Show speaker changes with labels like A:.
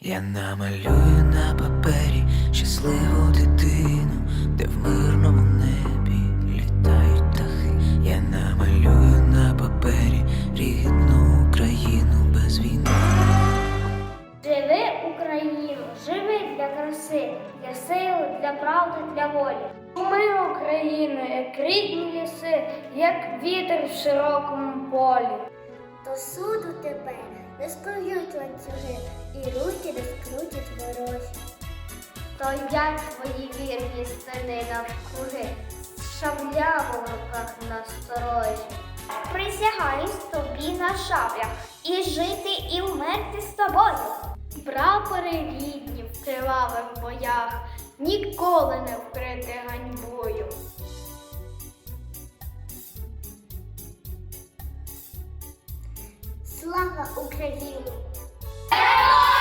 A: Я намалюю на папері щасливу дитину, де в мирному небі літають птахи. Я намалюю на папері рідну Україну без війни.
B: Живи, Україну, живи для краси, для сили, для правди, для волі. Ми, Україну, як рідні ліси, як вітер в широкому полі.
C: До суду тебе не скують ланцюги, і руки не скрутять ворожі.
B: Стоять твої вірні сини навкруги, з шаблями в руках насторожі. Присягаюсь тобі на шаблях, і жити, і вмерти з тобою. Прапори рідні в кривавих боях, ніколи не вкрити ганьбою.
C: Слава Україні!
B: Героям